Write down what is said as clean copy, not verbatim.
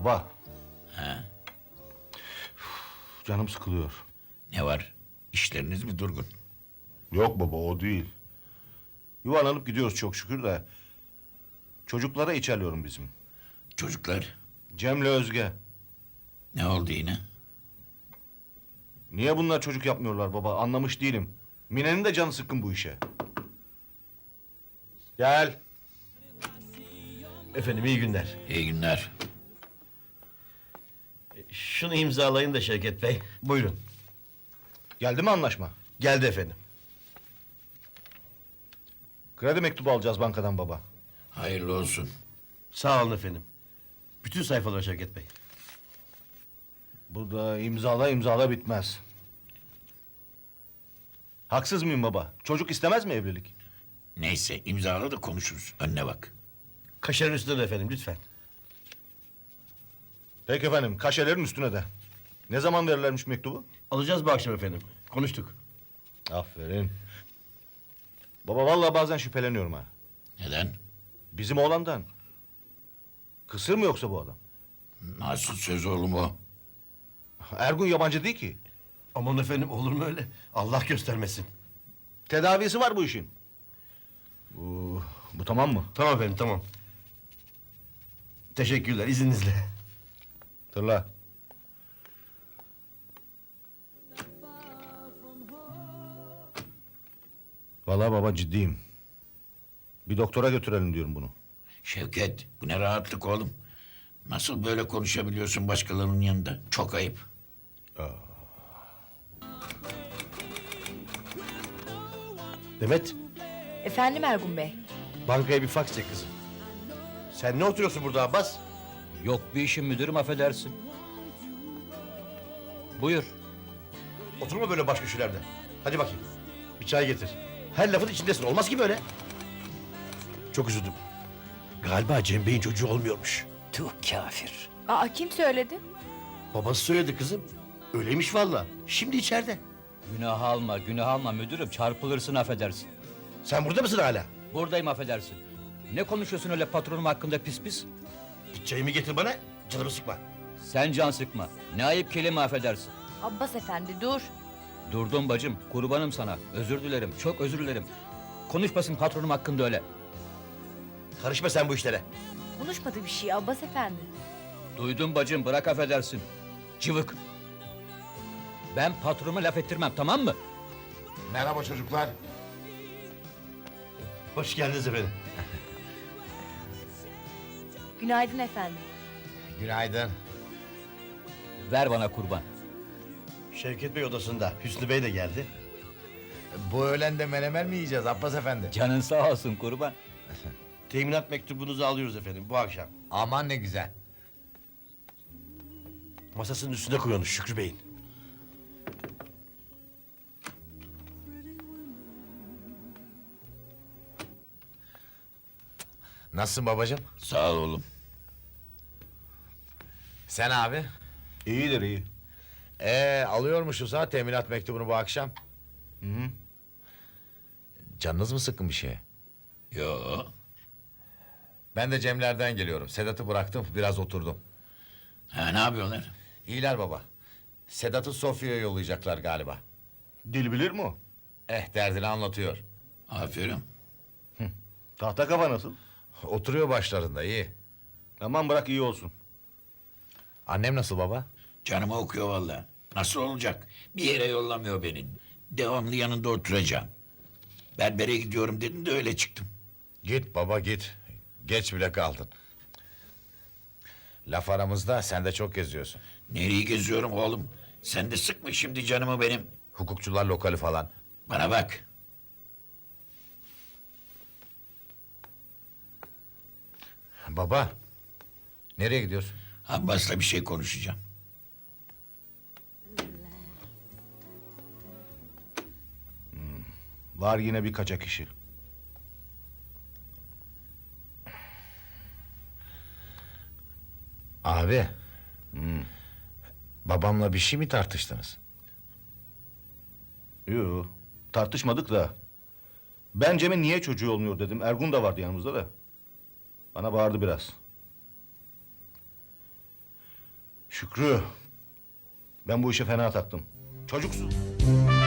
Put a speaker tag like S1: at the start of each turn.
S1: Baba,
S2: Ha,
S1: canım sıkılıyor.
S2: ne var? İşleriniz mi durgun?
S1: Yok baba, o değil. Yuvarlanıp gidiyoruz çok şükür de. Çocuklara içerliyorum bizim.
S2: Çocuklar,
S1: Cem'le Özge.
S2: ne oldu yine?
S1: Niye bunlar çocuk yapmıyorlar baba? Anlamış değilim. Mine'nin de canı sıkkın bu işe. Gel.
S3: Efendim iyi günler.
S2: İyi günler.
S3: Şunu imzalayın da Şevket Bey. Buyurun.
S1: Geldi mi anlaşma?
S3: Geldi efendim.
S1: Kredi mektubu alacağız bankadan baba.
S2: Hayırlı olsun.
S3: Sağ olun efendim. Bütün sayfalar Şevket Bey.
S1: Burada imzala bitmez. Haksız mıyım baba? Çocuk istemez mi evlilik?
S2: Neyse imzala da konuşuruz. Önüne bak.
S3: Kaşarın üstüne de efendim lütfen.
S1: Peki efendim, kaşelerin üstüne de. Ne zaman verirlermiş mektubu?
S3: Alacağız bu akşam efendim. Konuştuk.
S1: Aferin. Baba vallahi bazen şüpheleniyorum ha.
S2: Neden?
S1: Bizim oğlandan. Kısır mı yoksa bu adam?
S2: Nasıl söz oğlum o?
S1: Ergun yabancı değil ki.
S3: Aman efendim olur mu öyle? Allah göstermesin.
S1: Tedavisi var bu işin. Bu tamam mı?
S3: Tamam efendim tamam. Teşekkürler izninizle.
S1: Tırla. Vallahi baba ciddiyim. Bir doktora götürelim diyorum bunu.
S2: Şevket, bu ne rahatlık oğlum. Nasıl böyle konuşabiliyorsun başkalarının yanında? Çok ayıp.
S3: Demet
S4: Efendim Ergun Bey.
S3: bankaya bir faks çek kızım. Sen ne oturuyorsun burada Abbas?
S5: Yok bir işim müdürüm affedersin. Buyur.
S3: Oturma böyle baş köşelerde. Hadi bakayım. Bir çay getir. Her lafın içindesin. Olmaz ki böyle. Çok üzüldüm. Galiba Cem Bey'in çocuğu olmuyormuş.
S5: Tüh kafir.
S4: Aa kim söyledi?
S3: Babası söyledi kızım. Öyleymiş valla. Şimdi içeride.
S5: Günah alma müdürüm çarpılırsın affedersin.
S3: Sen burada mısın hala?
S5: Buradayım affedersin. Ne konuşuyorsun öyle patronum hakkında pis pis?
S3: Git çayımı getir bana. Canımı sıkma.
S5: Sen can sıkma. Ne ayıp kelime affedersin.
S4: Abbas efendi dur.
S5: Durdum bacım kurbanım sana. Özür dilerim çok özür dilerim. Konuşmasın patronum hakkında öyle.
S3: Karışma sen bu işlere.
S4: Konuşmadı bir şey Abbas efendi.
S5: Duydum bacım bırak affedersin. Cıvık. Ben patronuma laf ettirmem tamam mı?
S6: Merhaba çocuklar.
S3: Hoş geldiniz efendim.
S4: Günaydın efendim.
S6: Günaydın.
S5: Ver bana kurban.
S3: Şevket Bey odasında. Hüsnü Bey de geldi.
S6: Bu öğlen de menemen mi yiyeceğiz Abbas efendi?
S5: Canın sağ olsun kurban.
S3: Teminat mektubunuzu alıyoruz efendim bu akşam.
S6: Aman ne güzel.
S3: Masasının üstüne koyuyorsunuz Şükrü Bey'in.
S6: Nasılsın babacığım?
S2: Sağ ol oğlum.
S6: Sen abi?
S1: İyidir iyi.
S6: Alıyormuşuz ha teminat mektubunu bu akşam.
S1: Hı hı.
S6: Canınız mı sıkkın bir şeye?
S2: Yo.
S6: Ben de Cemler'den geliyorum. Sedat'ı bıraktım biraz oturdum.
S2: Ha, ne yapıyorlar?
S6: İyiler baba. Sedat'ı Sofya'ya yollayacaklar galiba.
S1: Dil bilir mi o?
S6: Derdini anlatıyor.
S2: Aferin.
S1: Tahta kafa nasıl?
S6: Oturuyor başlarında iyi.
S1: Aman bırak iyi olsun.
S6: Annem nasıl baba?
S2: Canıma okuyor vallahi. Nasıl olacak? Bir yere yollamıyor beni. Devamlı yanında oturacağım. Berbere gidiyorum dedim de öyle çıktım.
S6: Git baba git. Geç bile kaldın. Laf aramızda sen de çok geziyorsun.
S2: Nereyi geziyorum oğlum? Sen de sıkma şimdi canımı benim.
S6: Hukukçular lokali falan.
S2: Bana bak.
S6: Baba. Nereye gidiyorsun?
S2: Abbas'la bir şey konuşacağım.
S1: Var yine bir kaçak işi.
S6: Abi. Babamla bir şey mi tartıştınız?
S1: Yok, tartışmadık da. Ben Cem'in niye çocuğu olmuyor dedim. Ergun da vardı yanımızda da. Bana bağırdı biraz. Şükrü. Ben bu işe fena taktım. Çocuksun.